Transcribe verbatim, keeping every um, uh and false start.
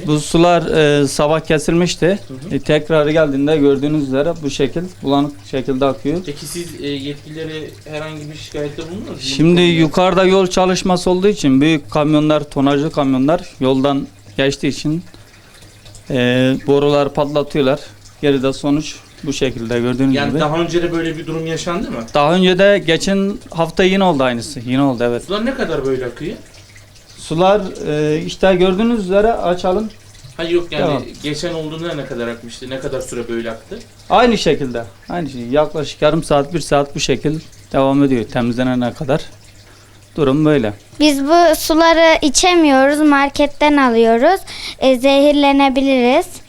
Bu sular e, sabah kesilmişti. Hı hı. E, tekrar geldiğinde gördüğünüz üzere bu şekil bulanık şekilde akıyor. Peki siz e, yetkililere herhangi bir şikayette bulundunuz mu? Şimdi yukarıda yol çalışması olduğu için büyük kamyonlar, tonajlı kamyonlar yoldan geçtiği için e, borular patlatıyorlar. Geride sonuç bu şekilde gördüğünüz yani gibi. Yani daha önce de böyle bir durum yaşandı mı? Daha önce de geçen hafta yine oldu aynısı. Yine oldu, evet. Sular ne kadar böyle akıyor? Sular e, işte gördüğünüz üzere açalım. Hayır yok yani Tamam. geçen olduğunda ne kadar akmıştı? Ne kadar süre böyle aktı? Aynı şekilde. Aynı şey. Yaklaşık yarım saat, bir saat bu şekil devam ediyor temizlenene kadar. Durum böyle. Biz bu suları içemiyoruz, marketten alıyoruz. E, zehirlenebiliriz.